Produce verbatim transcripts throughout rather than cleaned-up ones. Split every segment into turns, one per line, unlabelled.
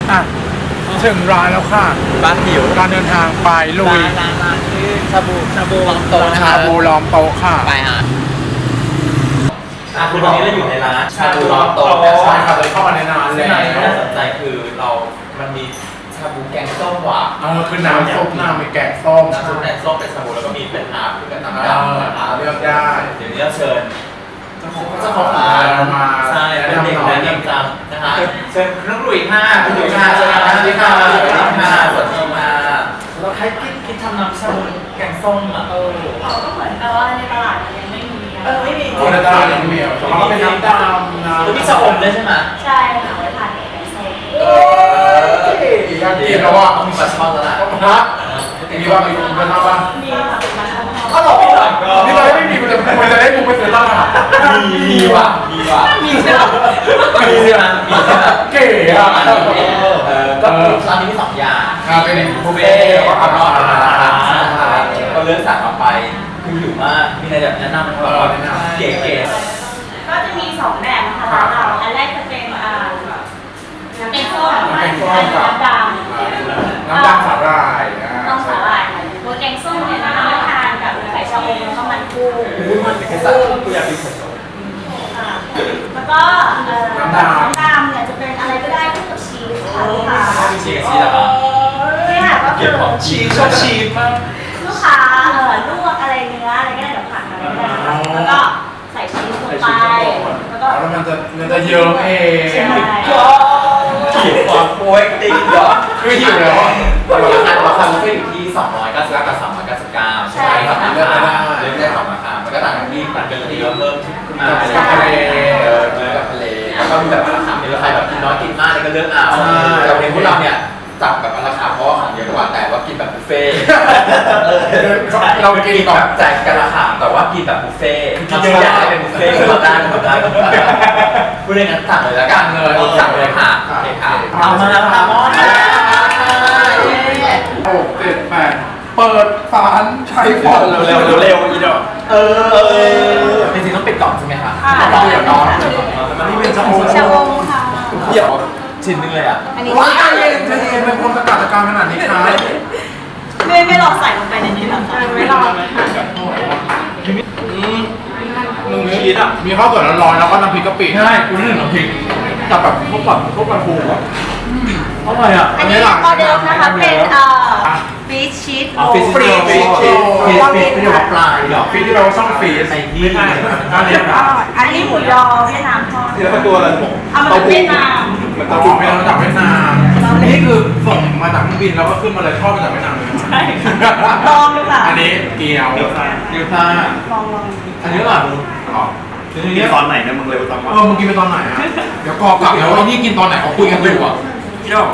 อ่ะถึงร้านแล้วค่ะ
บ้านหิว
การเดินทางไปลุย
ร้านร้านชื่อชาบูชาบูวังโตนะค
ชา
รับ
บูล้อมโต๊ะค่ะ
ไปฮะอ่ะคือตอนนี้เราอยู่ในร้านชาบูล้อมโต
ใช่ค่ะเลยเข้ามาในร้าน
ซึ่ง
แล้
ร้านที่น่าส
วน
ใจคือเรามันมีชาบูแกงส้มหวาน
เออคือน้ำซุปน้ำมีแกงส้ม
น้ำซุปแกงส้มเป็นชาบูแล้วก็มีเป็นน้ำคือเป็นน้ำ
เอ
ดำ
อ
นะครับ
เลือกได้
เดี๋ยวนี้เราเชิญ
เจ้า
เจ้าของร้าน
มา
ใช่เป็นเด็ก
แนะ
แนะ
นำหน่อย
นำจังนะฮะเชิญน้องหลุยค่ะคุณหลุยค่ะสวัสดีค่ะสวัสดีค่ะสวัสดีค่ะเราใครคิดคิดทำน้ำชาบูแกงส้มอ่ะเออ
เขาก็เหมือนกับว่าในตลาดมันยังไม่มีอะ
เออไม่มี
คนละตลาดอย่างเดียวแต่ว่าก็เป็นน้ำดำนะ
แล้วมีชะอมด้วยใช่ไหม
ใช่ค่ะไว้ทานกับแกงส้ม
เออ
อยากกินแล้วว่า
มีปลาช่อนแล้วล่ะ
ฮะมีว่ามีคุณเป็นบ้าง
มีค่ะเป็นมาทำ
ก็หลอกไม่หลอก
นี่เราไม่มีมันจะมันจะได้กูไปซื้อตลาด
มีมีว่ะมีว่ะมีใช่ไหมมีใช่ไหมมีใช่ไหม
เก๋อะ
เออก็ร้านนี้มีสองอย่าง
ครับเป็นบุ
บุ
ฟ
ฟ
เฟ่
เฟ่
ต์
แล้
แล้ว ว
ก็
ก็
อา
อา
หา
หาร ร
อาหารก็เลือกสั่งออกไปคือหิวมากมีอะไรแบบแนะนำไหมครับเก๋เก๋
ก็จะมีสองแบบนะคะร้านเราอันแรกจะเป็นอ่าน้ำแกงส้มอันนี้น้ำดำ
น้ำดำสาหร่ายอ่า
ต้องสาหร่ายค่ะตัวแกงส้มเนี่ยนะคะทานกับไข่ชะอมแล้วก็มันกุ้ง
อุ้ยมันเป็นสัตว์กูอยากกินสด
ค่ะแล้วก็เอ่อน้ำดำเนี่ยจะเป็นอะไรก็ได้คู่กับชีสค่ะลูกค้า
ๆมีชีสชีสเหรอครับ
เนี่ยค่ะก็
เกี่
คื
ยว
อ
กับชีสชอบชีสมาก
ลูกค้าเอ่อลวกอะไรเนื้ออะไรก็ได้แบบผักอะไรก็ได้นะคะแล้วก็ใส่ชีสลงไปแล้วก็
แล้วมันจะมันจะเยิ้มเอง
ใช่
หิวความโป๊ยติงเหรอ
คือหิวแล้ว
ราคาราคาบุฟเฟ่ต์อยู่ที่สองร้อยเก้าสิบเก้ากับสามร้อยเก้าสิบเก้าใช่ไหมครับราคาเลือกได้สองราคามันก็ต่างกันที่มันเป็นที่เพิ่มขึ้นมาเป็นทะเลเออเนื้อกับทะเลแล้วก็มีแบบราคามีราคาแบบกินน้อยกินมากเลยก็เลือกเอาแต่วันนี้พวกเราเนี่ยจับแบบราคาเพราะว่าของเยอะกว่าแต่ว่ากินแบบบุฟเฟ่ต์เรากินแบบแจกกันราคาแต่ว่ากินแบบบุฟเฟ่ต์กินเยอะแยะเป็นบุฟเฟ่ต์ก็ได้ก็ได้พูดเรื่องนั้นสั่งเลยแล้วกันเลยสั่งเลยค่ะโอเคค่ะเอามาแล้วค่ะมอน
หกเจ็ดแปดเปิดฝานใช้ฟอนต์
เร็วเร็วเร็วอีดอกเออจริงๆต้องปิดกล่องใช่ไหมคะ
ค่ะ
ต้องปิดกล่องมันนี่เป็นชาบู
ชาอมค่ะ
เดี๋ยวชิ้นนึงเลยอ่ะ
อันนี้
ว้ายใจเย็นใจเย็นเป็นคนตะการตะการขนาดนี้ครับ
ไม่ไม่ลองใส่ลงไปในนี้หรอคะไม่ลอง
มึงชีสอ่ะมีข้าวสวยร้อนๆแล้วก็น้ำพริกกะปิใช่กูนึกถึงน้ำพริกกับแบบพวกแบบพวกปลาทูอ่ะอร่อยอ่ะ
อันนี้ออเดิร์ฟนะคะเป็นเอ่อฟิชชีสโรล
ฟรีฟรีฟรีฟรี
เรา
ฟรี
เป็น
ไม่ใช่ว่าปลาหรอกฟรีที่เราช่องฟรีใส่ที่ไม่ใช่อันนี้นะ
อันนี้หมูยอเวียดนามทอด
ที่แล้วตัวอะไรผม
เอามาจากเวียดนาม
มันตัวไม่มาจากเวียดนามนี่คือส่งมาจากเครื่องบินแล้วก็ขึ้นมาเลยทอดมาจากเวียดนามเลย
ใช่ลองดูค่ะ
อันนี้เกี๊ยวเกี๊ยวซ่า
ลองลอง
อันนี้อร่อยมึงอ๋อ
ทีนี้ตอนไหนเนี่ยมึงเร็วจังวะ
เออมึงกินไปตอนไหนอ่ะเดี๋ยวกอกลับแล้วไอ้นี่กินตอนไหนเขาคุยกันอยู่อ่ะ
เที่ยว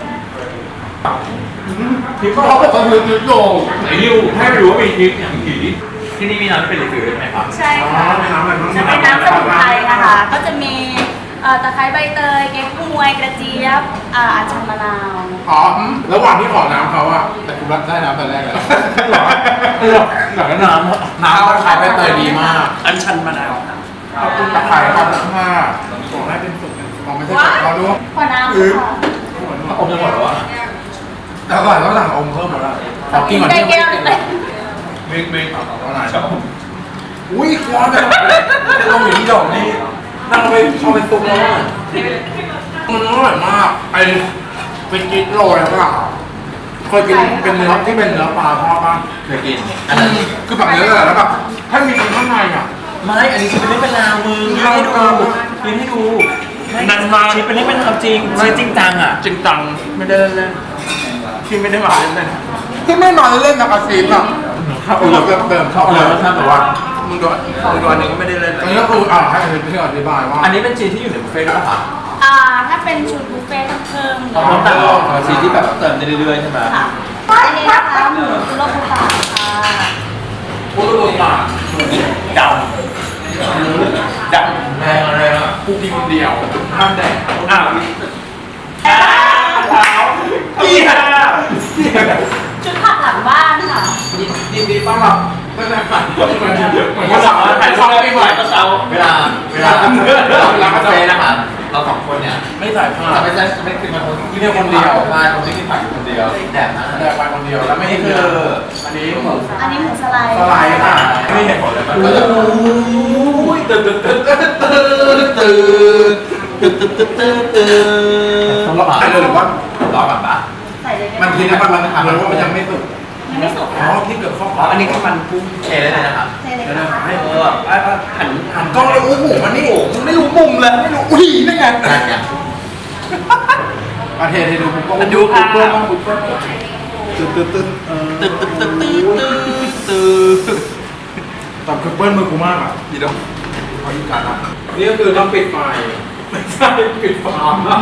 พริกเขาบอกว่าคือพริกโยงไหนริวให้ไปดูว่ามีพริกอย่างผี
ที่นี่มีน้ำเป็นรีฟิลใช่ไหมครับ
ใช่
อ๋อ
ค่ะ
เป็นน้ำอะไรบ้าง
จะเป็นน้ำสมุนไพรนะคะ ก็จะมีเอ่อตะไคร้ใบเตยเก๊กฮวยกระเจี๊ยบอ่าอัญชันมะนาว
อ๋อระหว่างที่ขอน้ำเขาอะแต่กูรับได้น้ำแต่แรกเลยเอออยากได้น้ำน้ำตะไคร้ใบเตยดีมาก
อันชันมะนาว
ขอบคุณตะไคร้ครับห้าขอให้เป็นสุกขอไม่ใช่สุกเราดู
ขอน้ำค่ะ
อมจะหมดหรอวะ
แต่ก่อนต้องสั่งอมเพิ่มหมดแล้วขอกินก่อน
ได้
ที่
แก้วหนึ่งเลย
มิกมิกเอาเอาหน่อยอุ้ยร้อนเลยลงอยู่ที่ดอกนี่นั่งไปชอบเป็นซุปแล้วอะมันอร่อยมากไอ้เป็นกิ๊กโรยแล้วก็เคยกินเป็นเนื้อที่เป็นเนื้อปลาทอดบ้าง
เคยกิน
อันนั้นคือแบบเนื้อแต่แล้วแบบถ้ามีข้างในอ่ะ
ไม่ อันนี้ชิ้นเป็นเรื่องเป็นราวมึงยืนให้ดูยืนให้ดู
นันมา
ชิ้นเป็นเรื่องเป็นราวจริงชิ้นจริงจังอ่ะ
จริงจังไม่ได้เล่นๆที่ไม่ได้มาเล่นๆที่ไม่นอนเล่นนะกระซีนอ่ะถ้าเออเติมเติมชอบเลยถ้าแบบว่ามึงโดนมึงโดนนึงก็ไม่ได้เล่นอันนี้ก็คืออ่าให้พี่อธิบายว่า
อันนี้เป็นชิ้นที่อยู่ในบุฟเฟ่ต์ด้วยป่ะ
อ่าถ้าเป็นชุดบุฟเฟ่ต์ต้องเพิ่ม
ต้องเพิ่มแต่ละชิ้นที่แบบเติมได้เรื่อยๆใช่ไหม
ค่ะอันนี้นะคะหมูคุโรบุตะค่ะ
พูดตัวปาก
ดำดำ
แรงอะไรอ่ะกูกินคนเดียวห้ามแดก
อ้าว
เท้าเกียร์
ชุดผักหลังบ้านค่ะ
ยินดีต้อนรับตั้งแต่ฝันเหมือนเหมือน
เหมือนว่าสั่งมาถ่ายช่องปีใหม่ก็เช้าเวลาเวลาเวลาเวลากาแฟนะครับเราสองคนเนี่ย
ไม่ใส่ผ้า
จะไม่ใช่ไม่คือมันคนที่เดียวคนเดียวใช่คนที่กินผักอยู่คนเดียวแดดนะ
แดกไปคนเดียวแล้วไม่
นี่
ได้
คื
คือ
อ
อันนี้หมู
อันนี้หมูสไลด์
สไลด์ค่ะ
ไม่เห็นผลเลยมันก็จะ
โอ้ยตื่นตื่นตื่นตื่นตื่นตื่นตื่นตื่นตื่นตื่นสำหรับใครเลยหรือว่าร
อก่อนปะ
ใส่เลยได้ไห
มันทีนะมันมันเหมือนว่ามันยังไม่สุก
ยังไม่สุก
อ๋อ
ค่ะ
ที่เกิดข้อ
อ๋ออันนี้คือมันกุ้ง
เทเลยนะครับ
ใส่เลย
เดี๋ยวนะ
ค่ะ
ให้
เอออ่ะอ่ะหัน
หันกล้องเลยอุ้ยหมูมันนี่โอ้มึงไม่รู้มุมเลยไม่รู้อุ้ยนี่ไง
นั่นไง
มาเทเทดูผมก็ดูปุ๊บเปิ้ลบ้างปุ๊บเปิ้ลตึ๊ดตึ๊ดตึ๊ดเออ
ตึ๊ดตึ๊ดตึ๊ดตึ๊ดตึ๊ดตึ๊ด
แต่คือเปิ้ลมือกูมากอ่ะ
ดีดง
ขออีกการอ่ะนี่ก็คือต้องปิดไฟไม่ใช่ปิดไฟ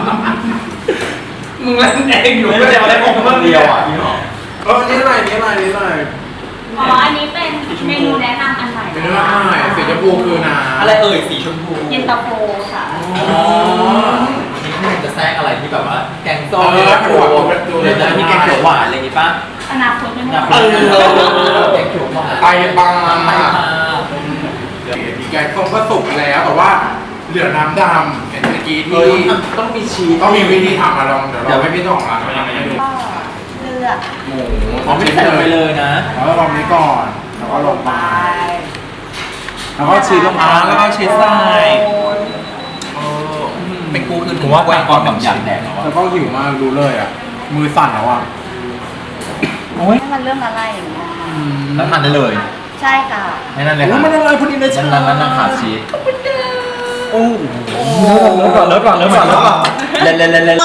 มึงเล่นเองอยู่
ไม่ได้มาได้ของคนเดียวอ่ะพี่หรอ
เออนี่อะไรนี่อะไรนี่อะไร
อ๋ออันนี้เป็นเมนูแนะนำอันใหม่
เป็นเรื่องง่ายสีชมพูคือน้ำ
อะไรเอ่ยสีชมพู
เย็นตาโฟค่ะ
อ๋อ
นี่คือจะแทรกอะไรที่แบบว่าแกงส้
เอ
ม
อถั่วถั่วถั่ว
หรือจะมีแกงเขียวหวานอะไรอย่างงี้ป่ะ
อนาคตไม่
อ
รู้
ยาก
เอ
รู้
อ
แกงเขียวหวาน
ไปบาง
ไป
มาก
มา
มีแกงส้มก็สุกแล้วแต่ว่าเหลือน้ำดำเห็นเมื่อกี้
เอ
ที่
อต้องมีชีส
ต้องมีวิธีทำมาลองเดี๋ยวเราให้พี่ต้องร้านมาทำให้ดู
ก็เลือก
หมู
อ๋อไม่ใส่ลงไปเลยนะ
แล้วก็ลองนี้ก่อนแล้วก็ลงไป
ไป
แล้วก็ชีสลง
อ่า
มา
แล้วก็ชีสใส่
เออเป็นกูคือผมว่าแกงก่อนแบบอยากแดกแล้ว
แล้ว
อะ
ก็หิวมากรู้เลยอ่ะมือสั่นแล้วอ่ะ
โอ้ย
ให้มันเริ่มละลายอย่างเงี้ย
แล้วทานได้เลย
ใช่ค่ะ
ให้นั่นเลย
โอ้
ค่ะ
มันอะไรพอดีเลยใช่
นั่นนั่นนั่นขาดชีส
โอ้เลิฟก่อนเลิฟก่อนเลิฟก่อนเลิฟก่อน
เล่นเล่นเล่นเล่น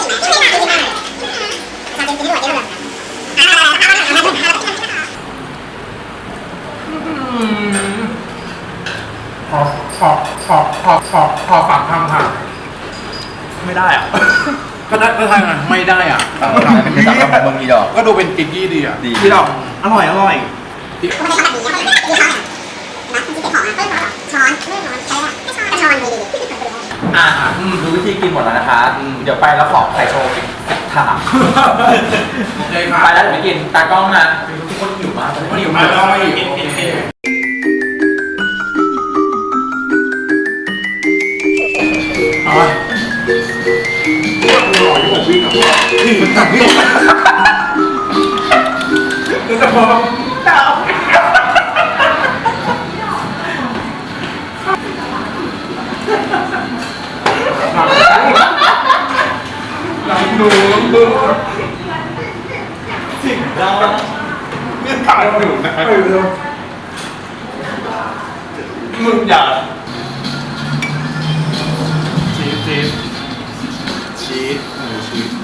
ขอขอขอขอขอขอฝากทำค่ะ
ไม่ได้อ่ะ
ก็ได้ก็ทำไงไม่ได้อ่ะ
เป็นภาษาของมึงอีดอก
ก็ดูเป็นกิ๊กกี้ดีอ่ะ
ดี
พี่ดอก
อร่อยอร่อย
อ่ะดูวิธีกินหมดแล้วนะคะ เดี๋ยวไปแล้วขอไข่โชว์เป็นสิบถาด
โอเคค่ะ
ไปแล้วเดี๋ยวไปกินตากล้องนะทุกคนหิวมาก
ไม่หิวมากก็ไม่หิวโอเคเอาไปกูรอที่ผมวิ่งกับว่านี่มันจับวิ่งคือจะพอดาวลองดูลองดูสิ่งเราไม่ตายอยู่นะไม่เร็วมึงอย่าชีสชีสชีสหมูชีส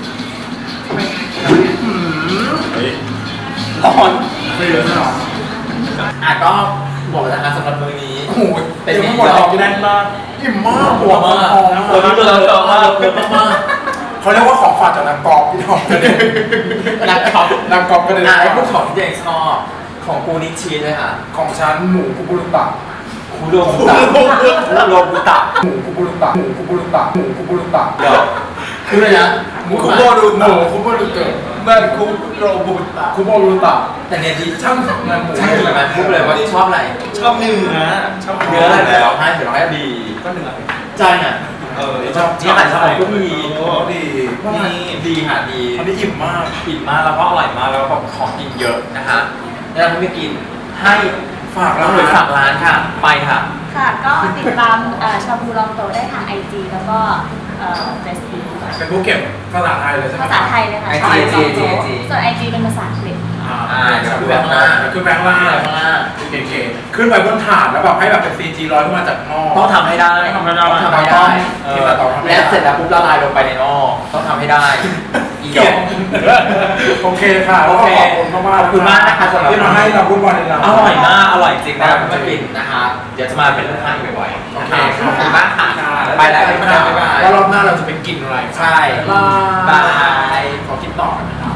เฮ้ย
ร้อน
ไม่เยอะหรอ
อ่ะก็บอกแล้วนะคะสำหรับมื้อนี้
โอ้โห
เป็น
ยัง
มี
ไม่หมด
ด
หร
อ
อก
กแน่นมาก
อิ่มมาก
หัวมาก
หอม
หัวนี้เลยเยอะมากเยอะมาก
เขาเรียกว่าของฝากจากนางกอบพี่น้องกันเอง
นักช็อป
นางกอบกันเอง
อ่ะไอ้พวกของที่เองชอบของกูนิชีสเลยค่ะ
ของฉันหมูคุบุรุตะ
คูโรบุตะคูโรบุตะ
หมูคุบุรุตะหมูคุบุรุตะหมูคุบุรุตะ
เดี๋ยวคืออะไรนะ
หมูคุโบรุหมูคุโบรุตะแม่นคุโรบุตะคุโบรุตะ
แต่เนี่ยที่
ช่างงานหมู
ใช่ไหมพูดเลยว่าชอบอะไร
ชอบเนื้อชอบ
เนื้ออะไรเดี๋ยวเราให้เดี๋ยวเราให้ดี
ก็เนื้อ
ใจน่ะ
เออ
ชอบที่อาหารชอบก็มี
โอ้ดี
นี่ดีค่ะดี
อันนี้อิ่มมาก
อิ่มมากแล้วก็อร่อยมากแล้วก็ของกินเยอะนะคะแล้วเราไม่กินให้
ฝาก
เรา
ร้าน
เลยฝากร้านค่ะ ไปค่ะ
ค่ะก็ติดตามเอ่อชาบูลองโตได้ทางไอจีแล้วก็เฟซบุ๊ก
เป็นผู้เก็บภาษาไทยเลยใช่ไหม
ภาษาไทยเลยค่ะ
ไอ
ชา
จี
บูลองโต
ไอจี
ส่วนไอจีเป็นภาษาอังกฤษ
อ่า
อ่าเดี๋ยวดูแบงค์ล่าง
ขึ้นแบงค์ล่าง
ข้างล่าง
เก๋ๆขึ้นไปบนถาดแล้วแบบให้แบบเป็น ซี จี ร้อยขึ้นมาจากหม้อ
ต้องทำให้ได้
ทำไม่ได้
ต้องทำให้ได้
เออต้องทำให้ได้
และเสร็จแล้วปุ๊บละลายลงไปในหม้อต้องทำให้ได้ อีดอก
โอเคค่ะ
โอเค
ขอบคุณมากๆ
ขอบคุณมากนะคะสำหรับ
ที่มาให้เราพูดวันในเรา
อร่อยมาก อร่อยจริงนะครับมากินนะคะเดี๋ยวจะมาเป็นลูกค้าอีกบ่อยๆ
โอ
นะ
เค
คะขอบคุณมากค่ะ
ค่ะ
ไปแล้วบ๊ายบายบ๊ายบาย
แล้วรอบหน้าเราจะไปกินอะไร
ใช่
บา
บาย ย ขอคิดต่อนะครับ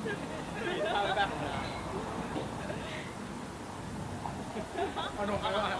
ขนมอะไร